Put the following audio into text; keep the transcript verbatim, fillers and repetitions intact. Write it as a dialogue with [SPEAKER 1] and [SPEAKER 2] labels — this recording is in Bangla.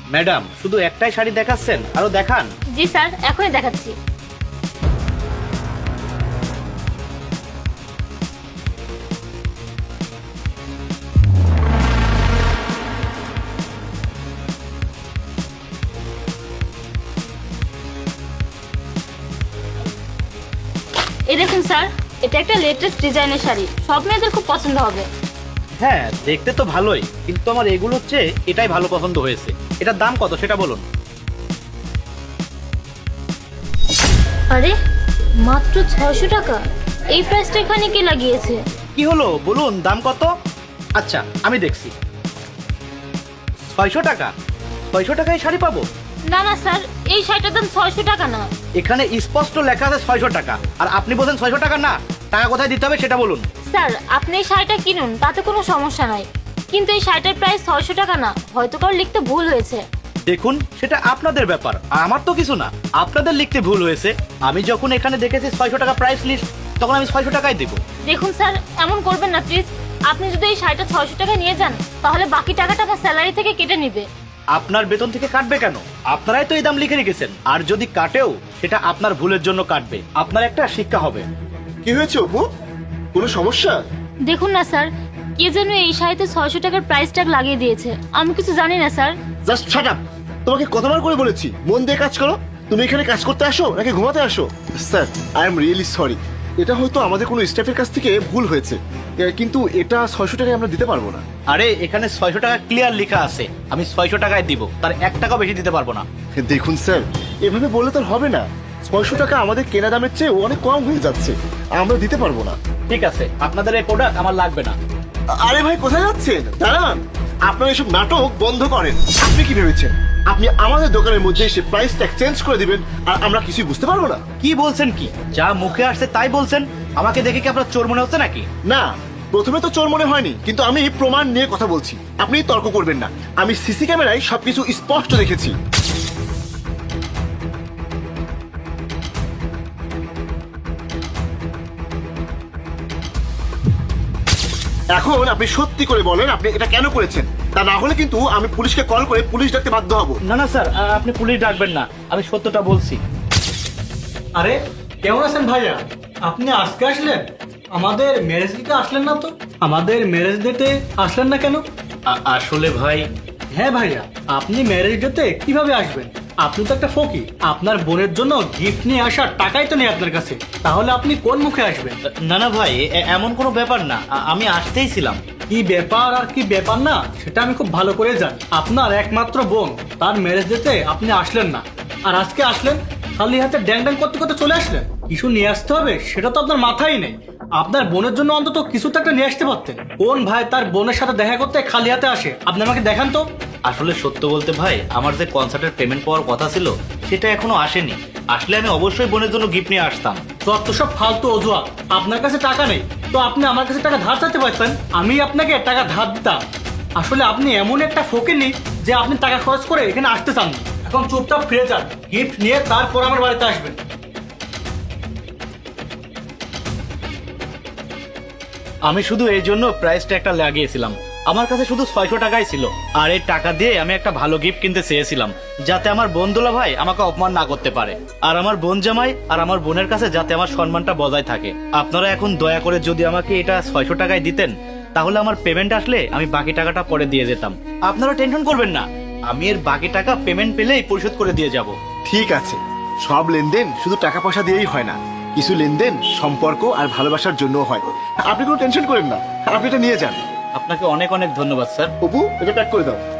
[SPEAKER 1] ম্যাডাম শুধু একটাই শাড়ি দেখাচ্ছেন, আরো দেখান।
[SPEAKER 2] জি স্যার, এখনই দেখাচ্ছি। এই দেখুন স্যার, এটা একটা লেটেস্ট ডিজাইনের শাড়ি, সব মেয়েদের খুব পছন্দ হবে।
[SPEAKER 1] হ্যাঁ দেখতে তো ভালোই, কিন্তু আমার এগুলো হচ্ছে এটাই ভালো পছন্দ হয়েছে। এটার দাম কত সেটা বলুন।
[SPEAKER 2] আরে মাত্র ছয়শো টাকা, এই প্রাইসটা এখানে কে লাগিয়েছে?
[SPEAKER 1] কি হলো বলুন, দাম কত? আচ্ছা আমি দেখছি। ছয়শো টাকা? ছয়শো টাকায় শাড়ি পাবো?
[SPEAKER 2] না না স্যার, এই শাড়িটার দাম ছয়শো টাকা না।
[SPEAKER 1] এখানে স্পষ্ট লেখা আছে ছয়শো টাকা, আর আপনি বলছেন ছয়শো টাকা না। টাকা কোথায় দিতে হবে সেটা বলুন।
[SPEAKER 2] স্যার আপনি এই শাড়িটা কিনুন, তাতে কোনো সমস্যা নাই, কিন্তু এই শাড়িটার প্রাইস ছয়শো টাকা না, হয়তো কারো লিখতে ভুল হয়েছে।
[SPEAKER 1] দেখুন সেটা আপনাদের ব্যাপার, আমার তো কিছু না। আপনাদের লিখতে ভুল হয়েছে। আমি যখন এখানে দেখেছি ছয়শো টাকা প্রাইস লিস্ট, তখন আমি ছয়শো টাকাই দেবো।
[SPEAKER 2] দেখুন স্যার, এমন করবেন না প্লিজ। আপনি যদি এই শাড়িটা ছয়শো টাকা নিয়ে যান, তাহলে বাকি টাকাটা আমার স্যালারি থেকে কেটে নিবে।
[SPEAKER 1] আপনার বেতন থেকে কাটবে কেন? আপনারাই তো এই দাম লিখে রেখেছেন, আর যদি কাটেও সেটা আপনার ভুলের জন্য কাটবে। আপনার একটা শিক্ষা হবে।
[SPEAKER 3] কি হয়েছে অপু? কোনো সমস্যা?
[SPEAKER 2] দেখুন না স্যার, কে যেন এই শাড়িতে ছয়শো টাকার প্রাইস ট্যাগ লাগিয়ে দিয়েছে। আমি কিছু জানি না স্যার।
[SPEAKER 3] Just shut up. তোমাকে কতবার করে বলেছি মন দিয়ে কাজ করো। তুমি এখানে কাজ করতে আসো নাকি ঘুমাতে আসো? Sir I am really sorry, এটা হয়তো আমাদের কোনো স্টাফের কাছ থেকে ভুল হয়েছে, এ, কিন্তু এটা ছয়শো টাকায় আমরা দিতে পারবো না।
[SPEAKER 1] আরে এখানে ছয়শো টাকা ক্লিয়ার লেখা আছে, আমি ছয়শো টাকায় দিব, তার এক টাকা বেশি দিতে পারবো না।
[SPEAKER 3] দেখুন স্যার, এভাবে বললে তো আর হবে না। ছয়শো টাকা আমাদের কেনা দামের চেয়ে অনেক কম হয়ে যাচ্ছে, আমরা দিতে পারবো না।
[SPEAKER 1] ঠিক আছে, আপনাদের এই প্রোডাক্ট আমার লাগবে না।
[SPEAKER 3] আ- আরে ভাই কোথায় যাচ্ছেন? দাঁড়ান, আপনারা এসব নাটক বন্ধ করেন। আপনি কি ভেবেছেন আপনি আমাদের দোকানের মধ্যে এসে প্রাইস ট্যাগ চেঞ্জ করে দিবেন আর আমরা কিছুই বুঝতে পারবো না?
[SPEAKER 1] কি বলছেন কি? যা মুখে আসছে তাই বলছেন। আমাকে দেখে কি আপনার চোর মনে হচ্ছে নাকি?
[SPEAKER 3] না, প্রথমে তো চোর মনে হয়নি, কিন্তু আমি প্রমাণ নিয়ে কথা বলছি, আপনি তর্ক করবেন না। আমি সিসি ক্যামেরায় সবকিছু স্পষ্ট দেখেছি। এখন আপনি সত্যি করে বলেন আপনি এটা কেন করেছেন, তা না হলে কিন্তু আমি পুলিশকে কল করে পুলিশ ডাকতে বাধ্য হব।
[SPEAKER 1] না না স্যার, আ, আপনি পুলিশ ডাকবেন না, আমি সত্যটা বলছি।
[SPEAKER 4] আরে কেমন আছেন ভাইয়া? আপনি আজকে আসলেন? আমাদের ম্যারেজ ডেটে আসলেন না তো? আমাদের ম্যারেজ ডেটে আসলেন না কেন?
[SPEAKER 1] আ- আসলে ভাই,
[SPEAKER 4] হ্যাঁ ভাইয়া, আপনি ম্যারেজ ডেটে কিভাবে আসবেন? আপনি তো একটা ফকির, আপনার বোনের জন্য গিফট নিয়ে আসার টাকাই তো নেই আপনার কাছে, তাহলে আপনি কোন মুখে আসবেন?
[SPEAKER 1] না না ভাই, এ- এমন কোনো ব্যাপার না, আ- আমি আসতেই ছিলাম।
[SPEAKER 4] কি ব্যাপার আর কি ব্যাপার না সেটা আমি খুব ভালো করে জানি। আপনার একমাত্র বোন, তার ম্যারেজ ডেটে আপনি আসলেন না, আর আজকে আসলেন খালি হাতে ড্যাং ড্যাং করতে করতে চলে আসলেন। কিছু নিয়ে আসতে হবে সেটা তো আপনার মাথায় নেই। আপনার বোনের জন্য অন্তত কিছু তো একটা নিয়ে আসতে পারতেন। কোন ভাই তার বোনের সাথে দেখা করতে খালি হাতে আসে? আপনি আমাকে দেখান তো।
[SPEAKER 1] আসলে সত্য বলতে ভাই, আমার যে কনসার্টের পেমেন্ট পাওয়ার কথা ছিল সেটা এখনো আসেনি। আসলে আমি অবশ্যই বোনের জন্য গিফট নিয়ে আসতাম।
[SPEAKER 4] যত সব ফালতু অজুহাত। আপনার কাছে টাকা নেই তো আপনি আমার কাছে টাকা ধার চাইতে পারতেন, আমি আপনাকে টাকা ধার দিতাম। আসলে আপনি এমন একটা ফকির যে আপনি টাকা খরচ করে এখানে আসতে চান না। এখন চুপচাপ ফিরে যান, গিফট নিয়ে তারপর আমার বাড়িতে আসবেন।
[SPEAKER 1] আমি শুধু এই জন্য প্রাইস ট্যাগটা লাগিয়েছিলাম। আমার কাছে শুধু ছয়শো টাকাই ছিল, আর এই টাকা দিয়ে আমি একটা ভালো গিফট কিনতে চেয়েছিলাম, যাতে আমার বন্ধুলা ভাই আমাকে অপমান না করতে পারে, আর আমার বোন জামাই আর আমার বোনের কাছে যাতে আমার সম্মানটা বজায় থাকে। আপনারা এখন দয়া করে যদি আমাকে এটা ছয়শো টাকায় দিতেন, তাহলে আমার পেমেন্ট আসলে আমি বাকি টাকাটা পরে দিয়ে যেতাম। আপনারা টেনশন করবেন না, আমি এর বাকি টাকা পেমেন্ট পেলেই পরিশোধ করে দিয়ে যাব।
[SPEAKER 3] ঠিক আছে, সব লেনদেন শুধু টাকা পয়সা দিয়েই হয় না, কিছু লেনদেন সম্পর্ক আর ভালোবাসার জন্য হয়। আপনি কোনো টেনশন করেন না, আপনি এটা নিয়ে যান।
[SPEAKER 1] আপনাকে অনেক অনেক ধন্যবাদ স্যার।
[SPEAKER 3] অপু, এটা প্যাক করে দাও।